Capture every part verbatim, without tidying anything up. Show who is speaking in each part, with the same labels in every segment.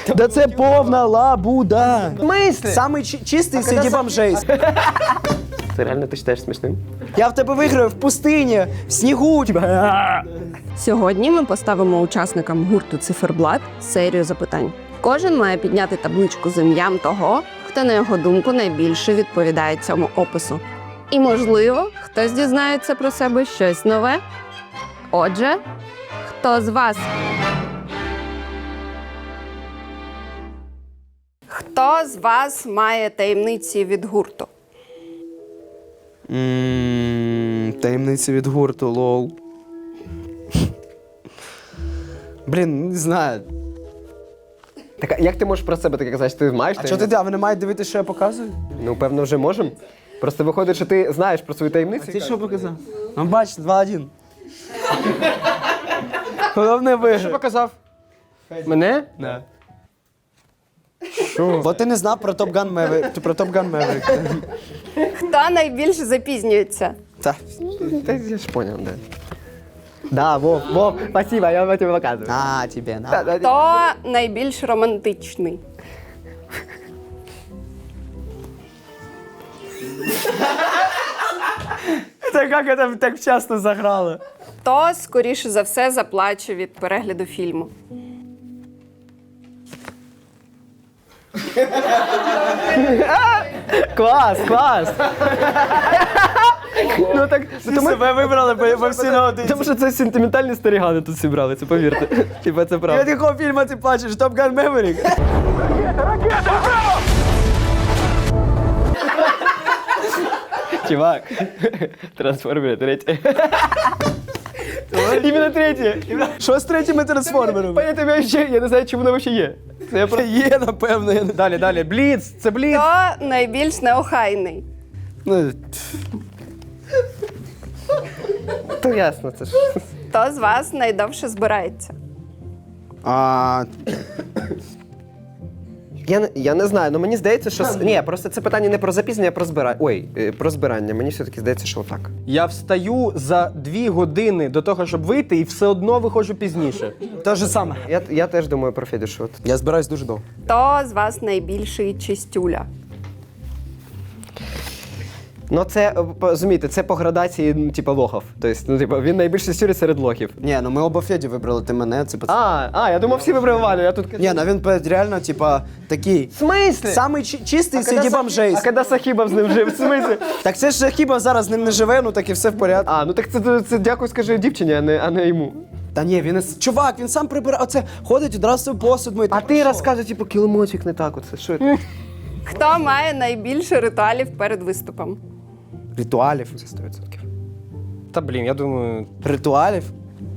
Speaker 1: Да це повна лабуда.
Speaker 2: В смислі?
Speaker 1: Самий чи- чистий серед бомжей.
Speaker 2: Це реально ти читаєш смішним?
Speaker 1: Я в тебе виграю в пустині, в снігу.
Speaker 3: Сьогодні ми поставимо учасникам гурту «Циферблат» серію запитань. Кожен має підняти табличку з ім'ям того, хто, на його думку, найбільше відповідає цьому опису. І, можливо, хтось дізнається про себе щось нове. Отже, хто з вас? Хто з вас має таємниці від гурту?
Speaker 1: Ммм, таємниці від гурту, лол. Блін, не знаю.
Speaker 2: Так, а як ти можеш про себе таке казати, що ти маєш?
Speaker 1: А що ти, а ви не маєте дивитися, що я показую?
Speaker 2: Ну, певно, вже можемо. Просто виходить, що ти знаєш про свою таємницю.
Speaker 1: Ти що показав? Ну, бачите, два-один. Головне виграв.
Speaker 2: Що показав? Мене?
Speaker 1: Да. Що? Бо ти не знав про Top Gun Maverick. Про Top Gun Maverick.
Speaker 3: Хто найбільше запізнюється?
Speaker 1: Так.
Speaker 2: Та я ж понял, да. Да, Вов, Вов, спасибо, я тебе показываю.
Speaker 1: На тебе, на.
Speaker 2: Да, да,
Speaker 3: Хто найбільш романтичний?
Speaker 1: Та як це так вчасно заграло?
Speaker 3: Хто, скоріше за все, заплаче від перегляду фільму?
Speaker 2: Клас, клас. Ну так,
Speaker 1: Ти себе вибрали, бо, бо всі на один.
Speaker 2: тому що це сентиментальні старігани тут зібрали, це повірте. Типа це
Speaker 1: Від
Speaker 2: правда.
Speaker 1: якого фільму ти плачеш? Top Gun Maverick?
Speaker 2: Чувак, трансформери третє. Іменно третє.
Speaker 1: Що з третіми трансформерами?
Speaker 2: Понятно, я ще, я не знаю, чи воно взагалі є. Це я просто...
Speaker 1: Є, напевно. Я не...
Speaker 2: Далі, далі. Бліц, це бліц.
Speaker 3: Хто найбільш неохайний?
Speaker 1: Ну,
Speaker 2: То ясно, це ж.
Speaker 3: Хто з вас найдовше збирається?
Speaker 1: а,
Speaker 2: Я, не- я не знаю, ну мені здається, що... с- Ні, просто це питання не про запізнення, а про збирання. Ой, е, про збирання. Мені все-таки здається, що отак.
Speaker 4: Я встаю за дві години до того, щоб вийти, і все одно виходжу пізніше.
Speaker 1: те ж саме.
Speaker 2: Я, я теж думаю про Федю, що от.
Speaker 1: Я збираюсь дуже довго.
Speaker 3: Хто з вас найбільший чистюля?
Speaker 2: Ну це, е, по- розумієте, це по градації, ну, типу, лохов. Тобто, ну, типу, він найбільше сюрі серед лохів.
Speaker 1: Ні, ну ми оба Феді вибрали, ти мене, це пацан.
Speaker 2: А, а, я думав, всі вибрали Валю, я тут...
Speaker 1: Ні, ну він пе- реально, типа, такий.
Speaker 2: В смислі?
Speaker 1: Самий чи- чистий серед бомжей.
Speaker 2: А коли Сахібов з ним жив, в смислі?
Speaker 1: Так це ж хіба зараз з ним не живе, ну так і все в порядку.
Speaker 2: А, ну так це, це, це дякую, скажи дівчині, а не, а не йому.
Speaker 1: Та ні, він із... Чувак, він сам прибирає, оце ходить, одразу свій посуд мить.
Speaker 2: А ти розказуй, типу, кіломотик не так, оце, що це?
Speaker 3: Хто має найбільше ритуалів перед виступом?
Speaker 1: Ритуалів.
Speaker 2: Це сто відсотків.
Speaker 4: Та блін, я думаю,
Speaker 1: Ритуалів?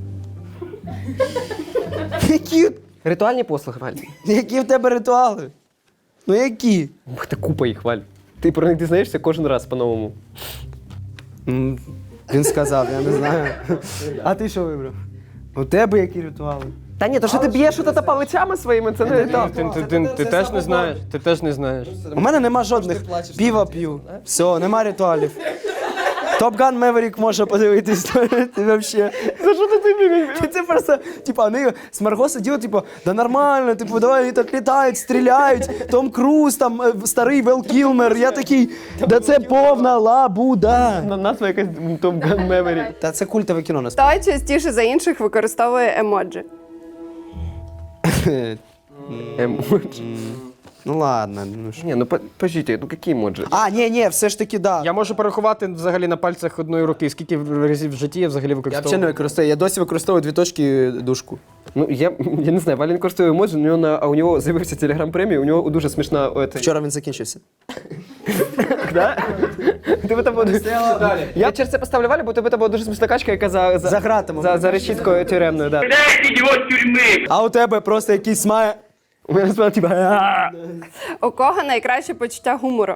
Speaker 1: Які?
Speaker 2: Ритуальні послуги, Валь.
Speaker 1: Які в тебе ритуали? Ну які?
Speaker 2: Ух ти, купа їх, Валь. Ти про них дізнаєшся кожен раз по-новому.
Speaker 1: М, Він сказав, я не знаю. А ти що вибрав? У тебе які ритуали?
Speaker 2: Та ні, то що ти б'єш от палицями своїми, це не ритуал.
Speaker 4: ти, ти, ти, ти теж не знаєш. Ти теж не знаєш.
Speaker 1: У мене нема жодних. Піва п'ю. Все, нема ритуалів. Top Gun Maverick може подивитись. Ти вообще. За що ти тобі? Це просто, типа, вони з Марго сиділи, типу, да нормально, типу, давай вони так літають, стріляють. Том Круз, там е, старий Вел Кілмер. Я такий, да це повна лабуда.
Speaker 2: На назва якась Top Gun Maverick.
Speaker 1: Та це культове кіно насправді.
Speaker 3: Хто частіше за інших використовує емоджі?
Speaker 2: Емоджі.
Speaker 1: Ну ладно, ну що.
Speaker 2: Ні, ну по- пожіть, ну які емоджі?
Speaker 1: А, ні, ні, все ж таки, да.
Speaker 4: Я можу порахувати взагалі на пальцях одної руки, скільки разів в житті я взагалі
Speaker 1: Я взагалі не
Speaker 4: використовував.
Speaker 1: використовую. Я досі використовую дві точки дужку.
Speaker 2: Ну, я, я не знаю, Валін користує емоджі, у нього на, а у нього з'явився телеграм премія, у нього дуже смішна... о, це-
Speaker 1: Вчора він закінчився.
Speaker 2: Да? Тебе там буде... Я через це поставлю Валю, бо тебе там була дуже смішна качка, яка за, за,
Speaker 1: За гратами.
Speaker 2: за, за решіткою тюремною, да.
Speaker 1: А у тебе просто якийсь має.
Speaker 2: У мене справа, типа... «А-а-а».
Speaker 3: У кого найкраще почуття гумору?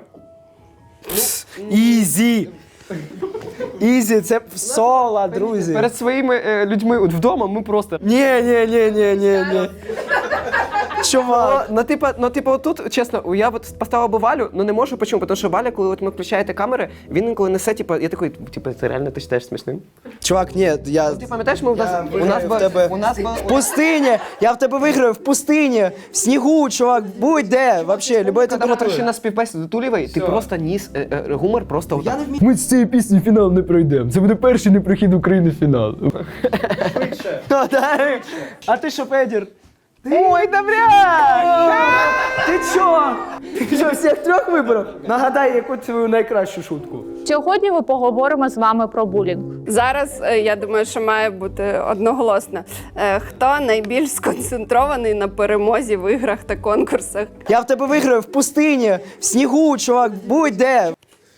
Speaker 1: Ізі. Ізі, це соло, друзі.
Speaker 2: Перед своїми е, людьми от вдома ми просто...
Speaker 1: Ні, ні, ні, ні, ні, ні. Чувак.
Speaker 2: Ну, типа, ну, типа, отут, чесно, я от поставив би Валю, ну не можу, почому? Тому що Валя, коли от ми включаєте камери, він інколи несе, типа, я такий, типа, це реально ти вважаєш смішним?
Speaker 1: Чувак, ні, я...
Speaker 2: Ти пам'ятаєш, ми у нас,
Speaker 1: Я
Speaker 2: у нас,
Speaker 1: виграю
Speaker 2: би-
Speaker 1: в тебе
Speaker 2: у нас, би-
Speaker 1: в пустині, я в тебе виграю в пустині, в снігу, чувак, будь-де, вообще, любой
Speaker 2: коли ми прийшли
Speaker 1: температурі.
Speaker 2: на співбесіду Тулєвої, ти просто ніс е, е, гумор просто отак.
Speaker 5: Ми з цієї пісні фінал не пройдемо. Це буде перший непрохід України в фінал.
Speaker 1: А, да? А ти що, Федір?
Speaker 2: Ой, добряк!
Speaker 1: Ти чо? Ти що, всіх трьох вибрав? Нагадай, яку твою найкращу шутку.
Speaker 6: Сьогодні ми поговоримо з вами про булінг.
Speaker 3: Зараз е, я думаю, що має бути одноголосно. Е, Хто найбільш сконцентрований на перемозі в іграх та конкурсах?
Speaker 1: Я в тебе виграю в пустині, в снігу, чувак, будь-де.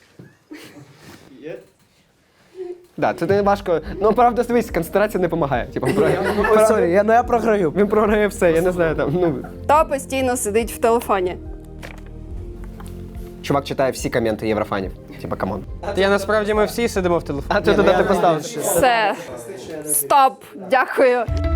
Speaker 2: Да, це не важко. Ну, правда, дивись, концентрація не допомагає. Типа,
Speaker 1: Ой, сорі, я, ну я програю.
Speaker 2: він програє все, я не знаю там. Ну,
Speaker 3: Хто постійно сидить в телефоні?
Speaker 2: чувак читає всі коменти єврофанів. Типа, камон.
Speaker 4: Я насправді ми всі сидимо в телефоні.
Speaker 2: А ти туди ти поставив.
Speaker 3: Все. Стоп. Дякую.